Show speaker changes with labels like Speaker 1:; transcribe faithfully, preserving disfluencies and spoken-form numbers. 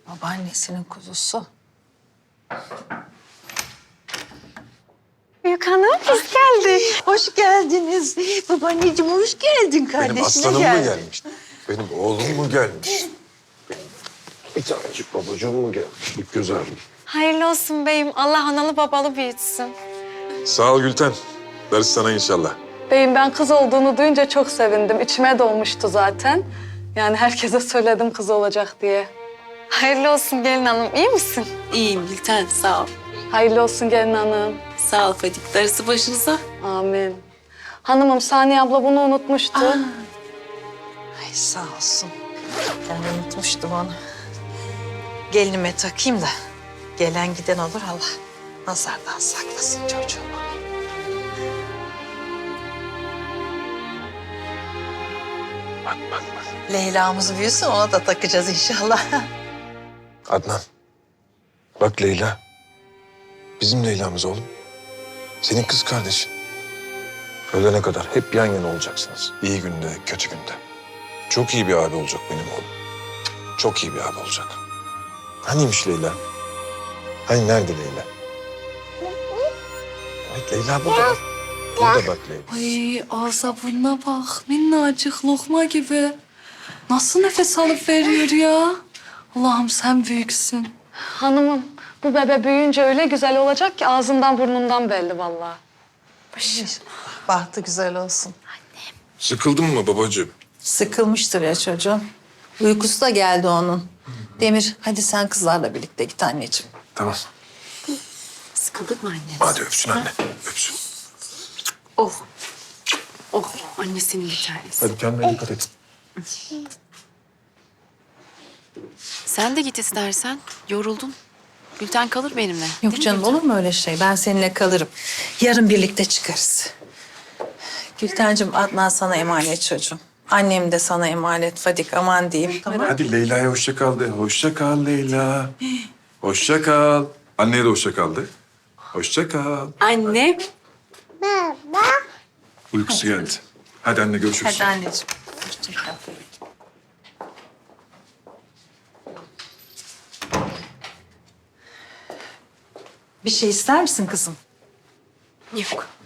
Speaker 1: Babaannesinin kuzusu.
Speaker 2: Büyük hanım biz geldik.
Speaker 1: Hoş geldiniz. Babaanneciğim hoş geldin. Kardeşine
Speaker 3: Benim aslanım
Speaker 1: gel.
Speaker 3: mı gelmiş? Benim oğlum mu gelmiş? Benim bir tanecik babacığım mı gelmiş? Bir güzel.
Speaker 2: Hayırlı olsun beyim. Allah analı babalı büyütsün.
Speaker 3: Sağ ol Gülten. Ders sana inşallah.
Speaker 4: Beyim ben kız olduğunu duyunca çok sevindim. İçime dolmuştu zaten. Yani herkese söyledim kız olacak diye.
Speaker 2: Hayırlı olsun gelin hanım. İyi misin?
Speaker 5: İyiyim Gülten, sağ ol.
Speaker 4: Hayırlı olsun gelin hanım.
Speaker 5: Sağ ol Fadik. Darısı başınıza.
Speaker 4: Amin. Hanımım Saniye abla bunu unutmuştu.
Speaker 1: Ay sağ olsun. Ben unutmuştum onu. Gelinime takayım da gelen giden olur Allah. Nazardan saklasın çocuğumu.
Speaker 3: Bak bak bak.
Speaker 1: Leyla'mız büyüsün ona da takacağız inşallah.
Speaker 3: Adnan. Bak Leyla. Bizim Leyla'mız oğlum. Senin kız kardeşin. Ölene kadar hep yan yana olacaksınız. İyi günde, kötü günde. Çok iyi bir abi olacak benim oğlum. Çok iyi bir abi olacak. Haniymiş Leyla? Hani nerede Leyla? Evet Leyla burada. Bak. Burada bak Leyla.
Speaker 4: Ay ağza burnuna bak. Minnacık lokma gibi. Nasıl nefes alıp veriyor ya? Allah'ım sen büyüksün. Hanımım bu bebe büyüyünce öyle güzel olacak ki ağzından burnundan belli vallahi.
Speaker 1: Bahtı güzel olsun.
Speaker 3: Sıkıldın mı babacığım?
Speaker 1: Sıkılmıştır ya çocuğum. Uykusu da geldi onun. Demir hadi sen kızlarla birlikte git anneciğim.
Speaker 3: Tamam.
Speaker 5: Sıkıldık mı anne?
Speaker 3: Hadi öpsün anne. Öpsün.
Speaker 5: Oh. Oh, annesinin bir tanesi.
Speaker 3: Hadi kendine dikkat et.
Speaker 5: Sen de git istersen. Yoruldun. Gülten kalır benimle.
Speaker 1: Yok
Speaker 5: Değil mi
Speaker 1: canım
Speaker 5: Gülten?
Speaker 1: olur mu öyle şey? Ben seninle kalırım. Yarın birlikte çıkarız. Gültencim Adnan sana emanet çocuğum. Annem de sana emanet Fadik aman diyeyim. Tamam.
Speaker 3: Hadi Leyla'ya hoşça kal de. Hoşça kal Leyla. Hoşça kal. Anneye de hoşça kal de. Hoşça kal.
Speaker 5: Anne.
Speaker 3: Uykusu geldi. Hadi anne görüşürüz.
Speaker 1: Hadi anneciğim. Hoşça kal. Bir şey ister misin kızım?
Speaker 5: Yok.